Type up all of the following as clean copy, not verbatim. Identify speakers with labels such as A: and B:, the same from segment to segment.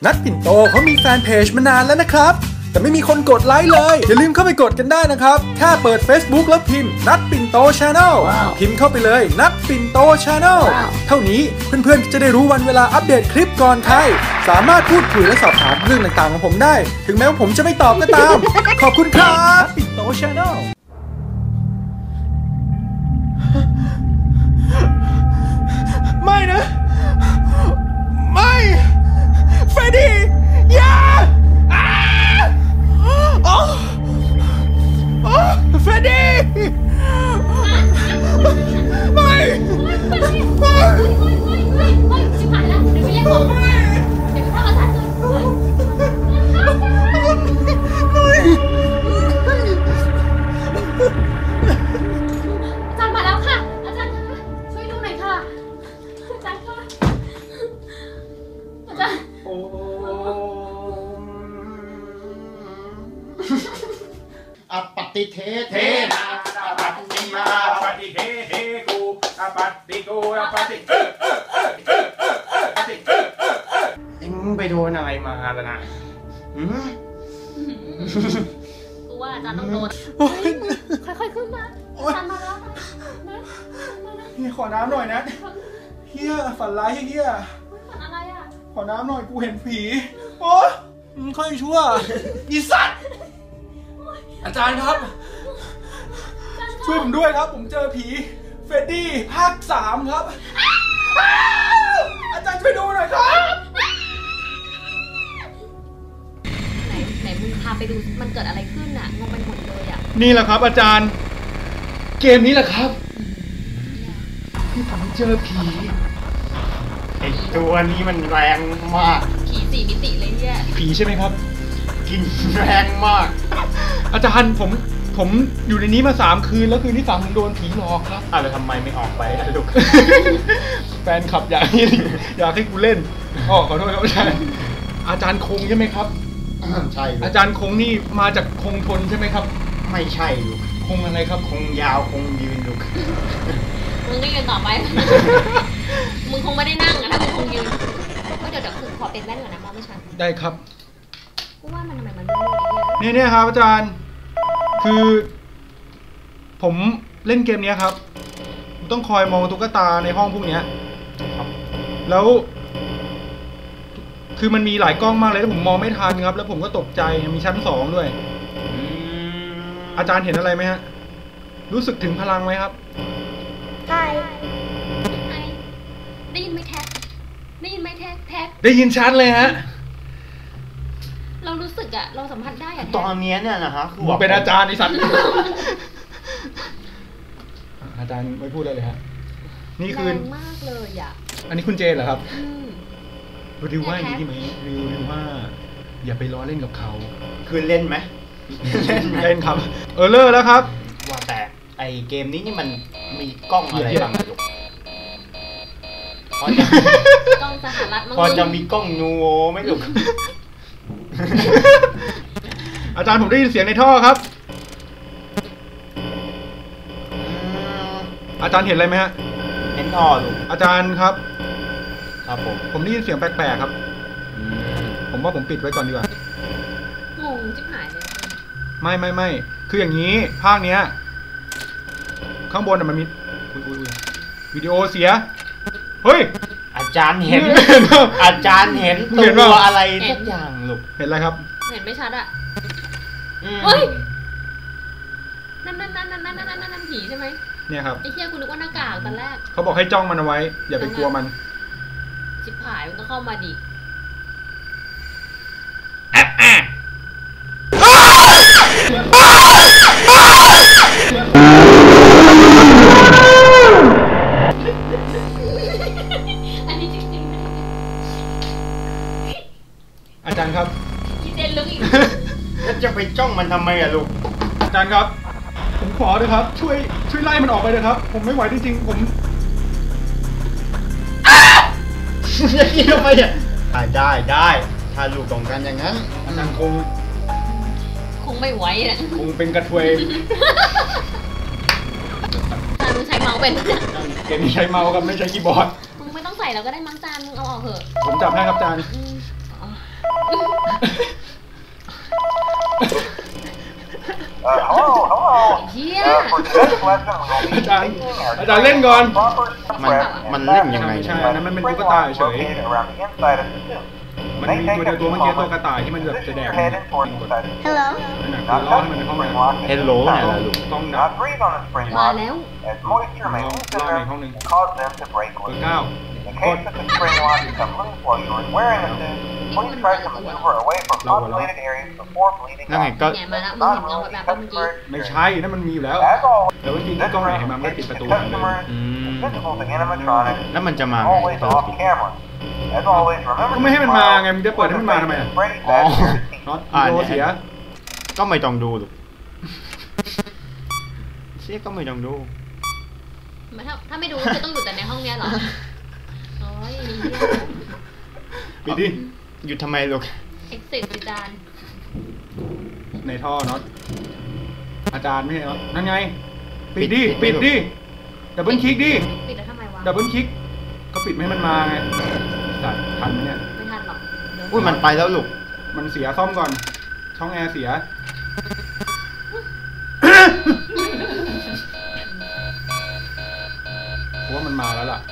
A: นัดปิ่นโตเขามีแฟนเพจมานานแล้วนะครับแต่ไม่มีคนกดไลค์เลยอย่าลืมเข้าไปกดกันได้นะครับแค่เปิด Facebook แล้วพิมพ์นัดปิ่นโต Channel พิมพ์เข้าไปเลยนัดปิ่นโต Channel เท่านี้เพื่อนๆจะได้รู้วันเวลาอัปเดตคลิปก่อนใครสามารถพูดคุยและสอบถามเรื่องต่างๆของผมได้ถึงแม้ว่าผมจะไม่ตอบก็ตามขอบคุณครับนัดปิ่นโต Channel ไม่นะไม่เฟรดดี้อย่าเฟรดดี้ไม่
B: ชิบหายแล้วเดี๋ยวไปเรียกหมอเดี๋ยวไปเข้าอาจารย์มาแล้วค่ะอาจารย์คะช่วยดูหน่อยค่ะอาจารย์คะอาจารย์
C: อปฏิเทเทนาอปฏิมาอปฏิเทเทกูอปฏิกูอปฏิมึงไปโดนอะไรมาล่ะนะ
B: กูว่าอาจารย์ต้องโดนค่อยๆขึ้นมาอาจารย์มาแล้วนะ
A: เฮียขอน้ำหน่อยนะเฮียฝันร้ายเฮีย
B: ฝันอะไรอ่ะ
A: ขอน้ำหน่อยกูเห็นผีโอ้ค่อยชั่วอีสัตว์อาจารย์ครับช่วยผมด้วยครับผมเจอผีเฟรดดี้ภาค 3ครับอาจารย์ช่วยดูหน่อยครับ
B: ไหนมึงพาไปดูมันเกิดอะไรขึ้นอ่ะงงไปหมดเลยอ่ะ
A: นี่แหละครับอาจารย์เกมนี้แหละครับที่ผมเจอผี
C: ไอตัวนี้มันแรงมาก
B: ผี4 มิติเลยเนี่ย
A: ผีใช่ไหมครับ
C: กินแรงมาก
A: อาจารย์ผมอยู่ในนี้มา3 คืนแล้วคืนที่3ผมโดนผีหลอกครับ
C: แล้วทำไมไม่ออกไปลูก
A: แฟนขับอยากให้กูเล่นขอโทษครับอาจารย์คงใช่ไหมครับ
C: ใช่
A: อาจารย์คงนี่มาจากคงทนใช่ไหมครับ
C: ไม่ใช่ลูก
A: คงอะไรครับ
C: คงยาวคงยืนลูก
B: มึงก็ยืนต่อไปมึงคงไม่ได้นั่งอะถ้ามึงคงยืนก็เดี๋ยวขอเป็นแว่นก่อนนะมองไม่ชัด
A: ได้ครับ
B: กูว่ามันทำไมมันมืด
A: เนี่ยครับอาจารย์คือผมเล่นเกมนี้ครับต้องคอยมองตุ๊กตาในห้องพวกนี้ครับแล้วคือมันมีหลายกล้องมากเลยที่ผมมองไม่ทันครับแล้วผมก็ตกใจมีชั้น2ด้วยอาจารย์เห็นอะไรไหมฮะรู้สึกถึงพลังไหมครับ
B: ใช่ได้ยินไหมแท็กได้ยินไหมแท็ก
A: ได้ยินชัดเลยฮะ
B: เรารู้สึกอะเราสัมผัสได้อะ
C: ตอนนี้เนี่ยนะฮะ
A: คือเป็นอาจารย์ไอ้สัตว์อาจารย์ไม่พูดเลยฮะนี่คือ
B: แรงมากเลยอะ
A: อันนี้คุณเจนเหรอครับริวว่าอย่างนี้ไหมริวว่าอย่าไปล้อเล่นกับเขา
C: คือเล่นไหม
A: เล่นครับเลิกแล้วครับ
C: ว่าแต่ไอเกมนี้นี่มันมีกล้องอะไรบ้างลูก
B: กล้องสหรัฐ
C: พอจะมีกล้องนูโวไหมลูก
A: อาจารย์ผมได้ยินเสียงในท่อครับอาจารย์เห็นอะไรไหมฮะ
C: เห็นท่อลูก
A: อาจารย์ครับ
C: ครับ
A: ผมได้ยินเสียงแปลกๆครับผมว่าผมปิดไว้ก่อนดีกว่าง
B: งจิ๊บหายเลย
A: ไม่คืออย่างนี้ภาคเนี้ยข้างบนมันมีวิดีโอเสียเฮ้ย
C: อาจารย์เห็นตัวอะไรทุกอย่างลูก
A: เห็นอะไรครับ
B: เห็นไม่ชัดอ่ะเฮ้ยนั่นผีใช่ไหม
A: เนี่ยครับ
B: ไอ้เหี้ยคุณนึกว่าหน้ากากตอนแรก
A: เขาบอกให้จ้องมันเอาไว้อย่าไปกลัวมัน
B: ชิบหายมันก็เข้ามาดิอันนี้จริง
A: ๆอาจารย์ครับ
B: คิดเด่นลึกอีก
C: แล้วจะไปจ้องมันทำไมอะลูก
A: อาจารย์ครับผมขอเลยครับช่วยไล่มันออกไปเลยครับผมไม่ไหวจริงๆผม
C: จะกินทำไมอ่ะได้ถ้าลูกต้องการอย่างนั้นอาจารย์ค
B: งไม่ไหวอ่ะ
A: คงเป็นกระทวย
B: อาจารย์มึงใช้เมาส์เป็น
A: เกมนี้ใช้เมาส์ครับไม่ใช้คีย์บอร์ด
B: มึงไม่ต้องใส่แล้วก็ได้มั้งจานมึงเอาออกเถอะ
A: ผมจับให้ครับจานอาจารย์เล่นก่อน
D: มันเล่นยังไง
A: ไม่ใช่นั่นมันเป็นตุ๊กตาเฉยมันมีตัวเดียวตัวเมื่อกี้ตัวกระต่ายที่มันแบบจะแดกมันกด
B: Hello
A: นั่นแหละคือล่อให้มันไปห้องน้ำ
D: เฮลโลเนี่ยล่ะลูก
A: ต้องดับ
B: มาแล้ว
A: ล่อในห้องหนึ่งเบอร์ 9
E: In case that the spring lock become loose while you are wearing a suit, please try to maneuver away from populated areas before bleeding
D: นั่นไง
E: out.
D: ก็
B: เนี่ยมาแล้วมึงเห็นเงาแบบเมื่อกี้
A: ไม่ใช่นั่นมันมีอยู่แล้ว
E: As always,
A: แต่ว่าจริงๆที่กล้องไหนเห็นมันก็ปิดประตูหันเลย
E: customers
D: อืม
E: visible to animatronics
D: แล้วมันจะมาไง
E: always off camera. As always, remember
A: ก็ไม่ให้มันมาไงมึงจะเปิดให้มันมาทำไมอ่ะ
E: Freddy
D: อ๋อ
E: Fazbear's
A: น็อต
D: อ่า
A: โด
D: เนี่ย
A: เสีย
D: ก็ไม่ต้องดูลูกเชี่ยก็ไม่ต้องดู
B: ถ้าไม่ดูคือต้องอยู่แต่ในห้องเนี้ยเหรอโอ้ย
A: ปิดดิ
D: หยุดทำไมลูก
B: เอ็กซิสจาน
A: ในท่อน็อตอาจารย์ไม่ใช่น็อตนั่นไงปิดดิ
D: ปิ
A: ปิ
D: ด
A: ด
D: ดิ
A: ดิดับเบิลคลิกดิ
B: ปิดแล้วทำไมวะ
A: ดับเบิลคลิกก็ปิดไม่ให้มันมาไงสัตว์ทันไหมเนี่ย
B: ไม่ทันหรอกเดี๋ยว
D: อุ้ยมันไปแล้วลูก
A: มันเสียซ่อมก่อน ช่องแอร์เสียเพราะว่ามันมาแล้วล่ะ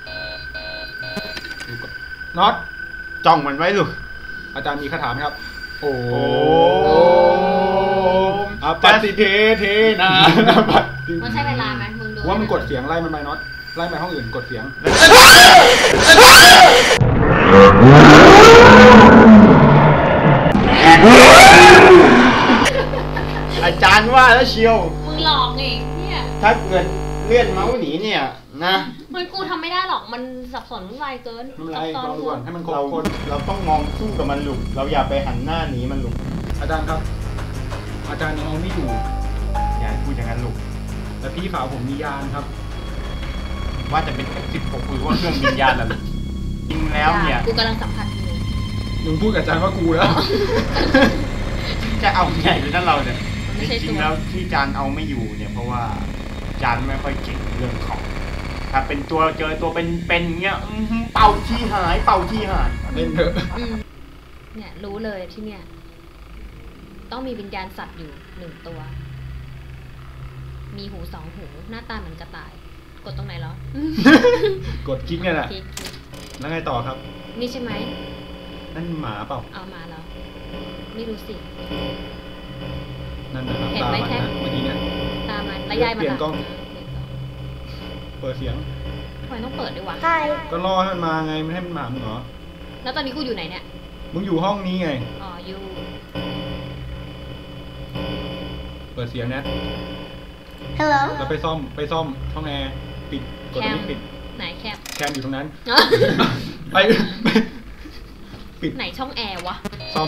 A: ดูก่อนน็อต
D: จ้องมันไว้ลูก
A: อาจารย์มีคาถาไหมครับ โอ้
D: โอ้
A: อปฏิเทเทนาปฏิ
B: มันใช้เวลาไหมมึงดู
A: ว่ามันกดเสียงไล่มันไปน็อตไล่ไปห้องอื่นกดเสียง
D: อาจารย์ว่าแล้วเชียว
B: มึงหลอกไงเนี่ย
D: ถ้าเกิดเลื่อนเมาส์หนีเนี่ยนะ
B: มันกูทำไม่ได้หรอกมันสับสนวุ่นวายเกิน
A: ไม่เป็นไร
B: ซับซ้อน
A: ลองดูก่อนให้มันครบ
D: เรา
A: คน
D: เราต้องมองสู้กับมันลูกเราอย่าไปหันหน้าหนีมันลูก
A: อาจารย์ครับ อาจารย์ยังเอาไม่อยู่
D: อย่าพูดอย่างนั้นลูก
A: แต่พี่สาวผมมียานครับ
D: ว่าจะเป็น F16 หรือว่าเครื่องบินยานล่ะลูกจริงแล้วเนี่ย
B: กูกำลังสัมผัสอยู่
A: มึงพูดกับอาจารย์ว่ากูแล้ว
D: จะเอาใหญ่เลยนะเราเนี่ย
B: มัน
D: จ
B: ไม่ใช่
D: ริ
B: ตั
D: ง
B: ว
D: ๆแล้วที่จานเอาไม่อยู่เนี่ยเพราะว่าจานไม่ค่อยเก่งเรื่องของ ถ้าเป็นตัวเจอตัวเป็นเงี้ยเป่าที่หายเป่าที่หาย
A: เล่นเถอะ
B: เนี่ยรู้เลยที่เนี่ย ต้องมีวิญญาณสัตว์อยู่1 ตัว มีหู2 หูหน้าตาเหมือนกระต่าย กดตรงไหนเหรอก
A: ดคลิกเนี่ยแหละ
B: คลิก
A: แล้วไงต่อครับ
B: นี่ใช่ไหม
A: นั่นหมาเปล่า
B: เอามาแล้วไม่รู้สิ
A: นั่นนะครับ
B: เห็น
A: ตา
B: ไหม
A: มัน
B: แท็ก
A: นะเมื่อกี้เนี่ย
B: ตามมันแล้วยายมัน
A: เปลี่ยน
B: ล่ะ
A: กล้อง
B: เปลี่ยนกล้อง
A: เปิดเสียง
B: ทำไมต้องเปิดด้วยวะ
A: ก็รอให้มันมาไงไม่ให้มันมามึงเหรอ
B: แล้วตอนนี้กูอยู่ไหนเนี่ย
A: มึงอยู่ห้องนี้ไง
B: อ๋ออยู่
A: เปิดเสียงนะ
B: Hello
A: แล้วไปซ่อมช่องแอร์ปิดกดตรงนี้ปิด
B: ไหนแคป
A: แคมอยู่ตรงนั้น
B: อ๋อ
A: ไปปิด
B: ไหนช่องแอร์วะ
A: ซ่อม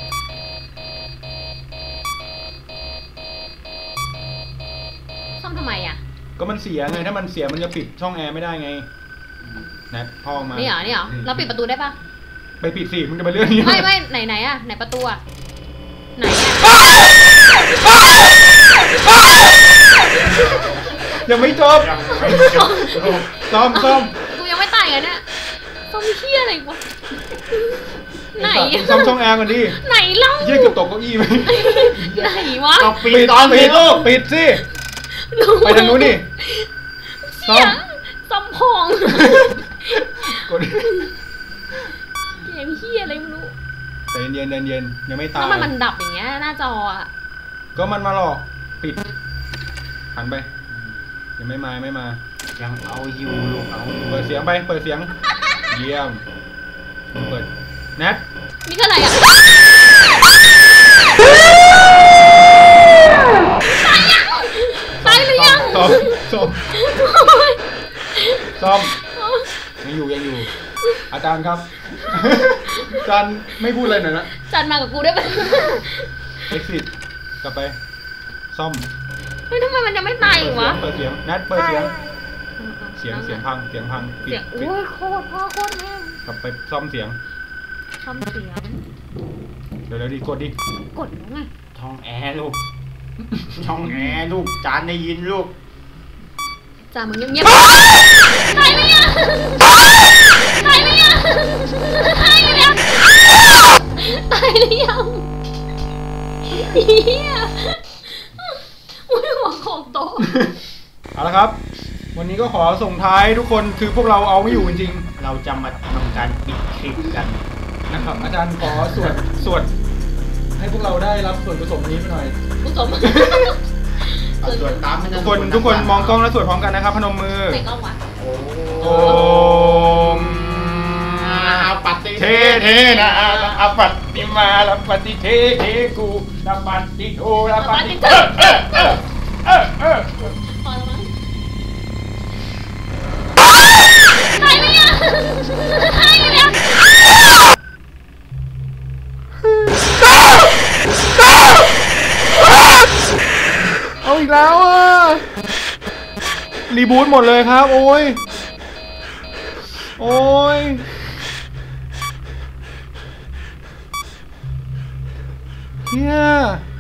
B: ซ่อมทำไมอ่ะ
A: ก็มันเสียไงถ้ามันเสียมันจะปิดช่องแอร์ไม่ได้ไงนะพ่อออกมา
B: นี่เหรอนี่เหรอเราปิดประตูได้ปะ
A: ไปปิดสิมึงจะไปเรื่องนี้
B: ไม่ไหนอ่ะไหนประตูอ่ะไหนอ่ะ
A: ยังไม่จบซ่อม
B: กูยังไม่ตายไงเนี่ยซ่อมเหี้ยอะไรวะไหน
A: ซ่อมช่องแอร์ก่อนดิ
B: ไหนเล่า
A: เยี่ยเกือบตกเก้าอี้ไหม
B: ไหนวะ
D: ก็ปิดตอน
A: ปิ
D: นี้
A: ด
D: ลูก
A: ปิดสิไปทางนู้นดิซ่อม
B: ซ่อมพอง
A: กด
B: เกมเหี้ยอะไรไม่รู้
A: ใจเย็นยังไม่ตา
B: แล้
A: ยว
B: มันดับอย่างเงี้ยหน้าจออ่ะ
A: ก็มันมาหลอกปิดหันไปยังไม่มา
D: ยังเอาอยู่ลูกเอาอยู่
A: เปิดเสียงเยี่ยมมึงเปิดแนท
B: นี่คืออะไรอ่ะตายหรือยัง
A: ซ่อมยังอยู่อาจารย์ครับ อาจารย์ไม่พูดอะไรหน่อยนะ
B: จันมากับกูได้ปะ
A: exit กลับไปซ่อม
B: เฮ้ยทำไมมันยังไม่ตายอีกวะ
A: เปิดเสียงแนทเปิดเสียงพังปิด
B: โอ้ยโคตรพ่อโคตรแม่
A: กลับไปซ่อมเสียง
B: ทำเสียง
A: เดี๋ยวดิกดดิ
B: กดแล้วไง
D: ช่องแอร์ลูกช่องแอร์ลูกจานได้ยินลูก
B: จ่ามึงเงียบๆตายไหมยังตายไหมยังตายหรือยังตายหรือยังเฮียอุ้ยหัวโขกโต๊ะ
A: เอาละครับ วันนี้ก็ขอส่งท้ายทุกคนคือพวกเราเอาไม่อยู่จริง
D: เราจะมาทำการปิดคลิปกัน
A: ๆนะครับ อาจารย์ขอสวดให้พวกเราได้รับส่วนผสมนี้ไปหน่อย
B: ผู้สม
D: เอาส่วนตาม
A: ทุกคนมองกล้องแล้วสวดพร้อมกันนะครับพนมมือ
B: ไหนกล้องวะ
A: โอม
D: อาปฏิเทเทนะอาปฏิมาลาปฏิเทเทกูลาปฏิโทลาปฏิ
B: พอแล้วมั้งใครไม่ยังใครไม่ยัง
A: เอาอีกแล้วอ่ะรีบูทหมดเลยครับโอ้ยเฮีย